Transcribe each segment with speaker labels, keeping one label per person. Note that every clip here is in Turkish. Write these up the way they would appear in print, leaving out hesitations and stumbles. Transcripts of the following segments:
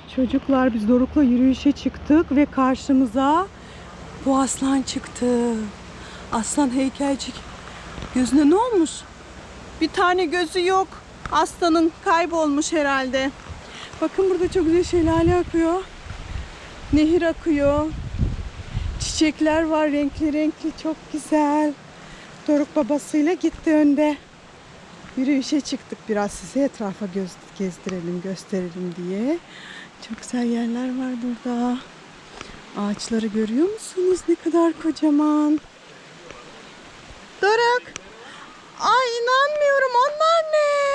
Speaker 1: Çocuklar biz Doruk'la yürüyüşe çıktık ve karşımıza bu aslan çıktı. Aslan heykelcik. Gözüne ne olmuş? Bir tane gözü yok. Aslanın kaybolmuş herhalde. Bakın burada çok güzel şelale akıyor. Nehir akıyor. Çiçekler var renkli renkli, çok güzel. Doruk babasıyla gitti önde. Yürüyüşe çıktık, biraz size etrafa gezdirelim, gösterelim diye. Çok güzel yerler var burada. Ağaçları görüyor musunuz? Ne kadar kocaman. Doruk. Ay inanmıyorum, onlar ne?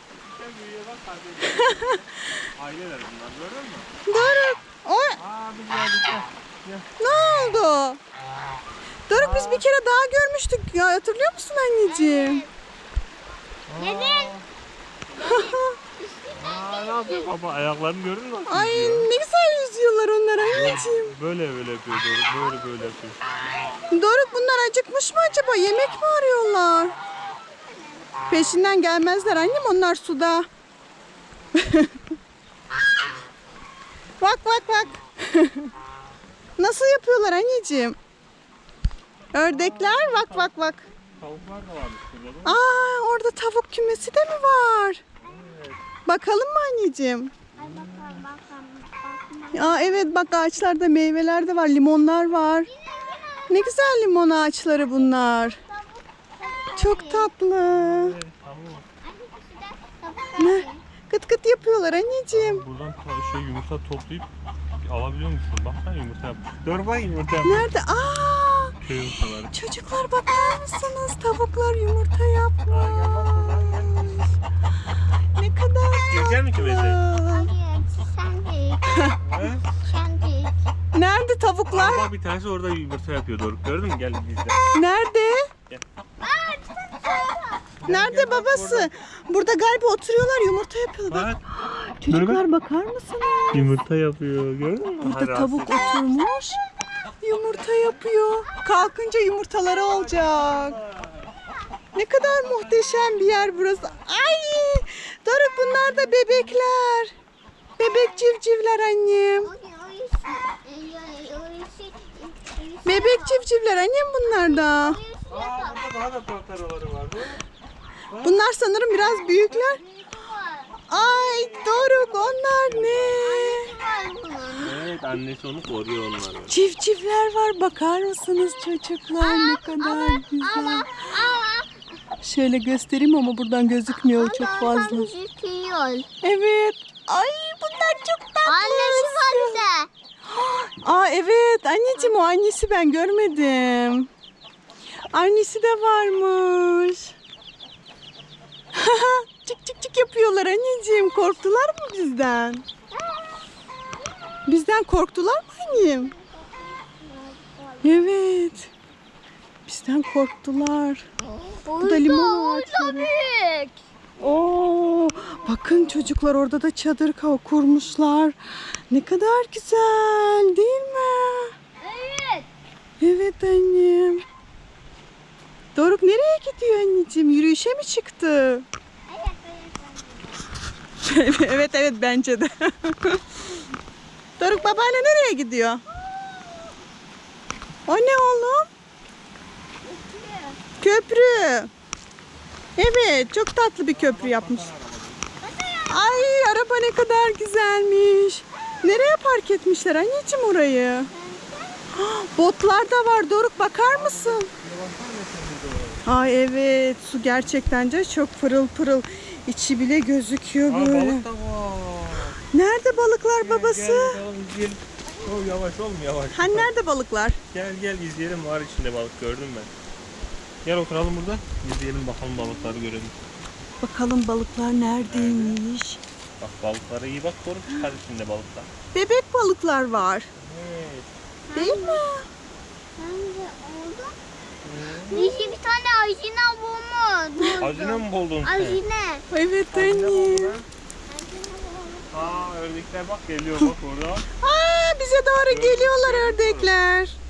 Speaker 2: Aileler bunlar, gördün mü?
Speaker 1: Doruk. Oy.
Speaker 2: Biz geldik.
Speaker 1: Ne oldu? Doruk biz bir kere daha görmüştük ya, hatırlıyor musun anneciğim?
Speaker 3: Neden?
Speaker 2: Ne yapıyor baba? Ayaklarını görün mü?
Speaker 1: Ay ne güzel yüzüyorlar onlar anneciğim.
Speaker 2: Böyle yapıyor Doruk. Böyle yapıyor.
Speaker 1: Doruk bunlar acıkmış mı acaba? Yemek mi arıyorlar? Peşinden gelmezler annem, onlar suda. Bak. Nasıl yapıyorlar anneciğim? Ördekler bak.
Speaker 2: Tavuklar da varmış burada.
Speaker 1: Aa, orada tavuk kümesi de mi var?
Speaker 2: Evet.
Speaker 1: Bakalım mı anneciğim?
Speaker 3: Bakalım.
Speaker 1: Aa, evet bak, ağaçlarda meyveler de var, limonlar var. Ne güzel limon ağaçları bunlar. Çok tatlı.
Speaker 2: Evet, tamam.
Speaker 1: Ne? Kıt kıt yapıyorlar anneciğim.
Speaker 2: Buradan yumurta toplayıp alabiliyor musun? Baksana yumurta yapmış. Dur bak yumurta yapmış.
Speaker 1: Nerede? Aa!
Speaker 2: Köy yumurtaları.
Speaker 1: Çocuklar bakar mısınız? Tavuklar yumurta yapmış. Ne kadar
Speaker 2: Girecek mi kümese?
Speaker 1: tatlı.
Speaker 3: Hayır, sen de.
Speaker 1: Nerede tavuklar?
Speaker 2: Bak bir tanesi orada yumurta yapıyor Doruk. Gördün mü? Gel bizde.
Speaker 1: Nerede?
Speaker 2: Gel.
Speaker 1: Nerede babası? Burada galiba oturuyorlar, yumurta yapıyorlar.
Speaker 2: Bak.
Speaker 1: Çocuklar bakar mısınız?
Speaker 2: Yumurta yapıyor. Gördün mü?
Speaker 1: Burada tavuk oturmuş. Yumurta yapıyor. Kalkınca yumurtaları olacak. Ne kadar muhteşem bir yer burası. Ay! Doruk bunlar da bebekler. Bebek civcivler annem. Bebek civcivler annem bunlar da.
Speaker 2: Burada daha da tortaroları var.
Speaker 1: Bunlar sanırım biraz büyükler. Ay Doruk, onlar ne?
Speaker 2: Evet, annesi onu koruyor onları.
Speaker 1: Civcivler var, bakar mısınız çocuklar, ne kadar güzel. Şöyle göstereyim ama buradan gözükmüyor çok fazla. Evet. Ay bunlar çok tatlı.
Speaker 3: Annesi var bir de.
Speaker 1: Aa evet anneciğim, o annesi ben görmedim. Annesi de varmış. Çık yapıyorlar anneciğim. Korktular mı bizden? Bizden korktular mı annem? Evet. Bizden korktular. Bu da limon ağaçları.
Speaker 3: Büyük.
Speaker 1: Oo, bakın çocuklar, orada da çadır kurmuşlar. Ne kadar güzel değil mi?
Speaker 3: Evet.
Speaker 1: Evet annem. Doruk nereye gidiyor anneciğim? Yürüyüşe mi çıktı? Evet bence de. Doruk babayla nereye gidiyor? O ne oğlum? Köprü. Evet, çok tatlı bir köprü yapmış. Ay araba ne kadar güzelmiş. Nereye park etmişler anneciğim orayı? Botlar da var Doruk, bakar mısın? Ay evet, su gerçekten de çok pırıl pırıl. İçi bile gözüküyor böyle.
Speaker 2: Balık da var.
Speaker 1: Nerede balıklar babası?
Speaker 2: Gel bakalım izleyelim. Yavaş oğlum yavaş.
Speaker 1: Hani nerede balıklar?
Speaker 2: Gel izleyelim, var içinde balık gördüm ben. Gel oturalım burada. İzleyelim bakalım, balıkları görelim.
Speaker 1: Bakalım balıklar neredeymiş?
Speaker 2: Bak balıklara iyi bak, Doruk, çıkar içinde balıklar.
Speaker 1: Bebek balıklar var.
Speaker 2: Evet.
Speaker 1: Değil mi?
Speaker 3: Bence oldu. Dişi bir tane ajina bulmuş.
Speaker 2: Hazine mi buldun?
Speaker 3: Ajine.
Speaker 1: Evet
Speaker 2: Hazine buldun
Speaker 1: annem.
Speaker 2: ha? Ördekler bak geliyor bak orada.
Speaker 1: Aa, bize doğru geliyorlar ördekler.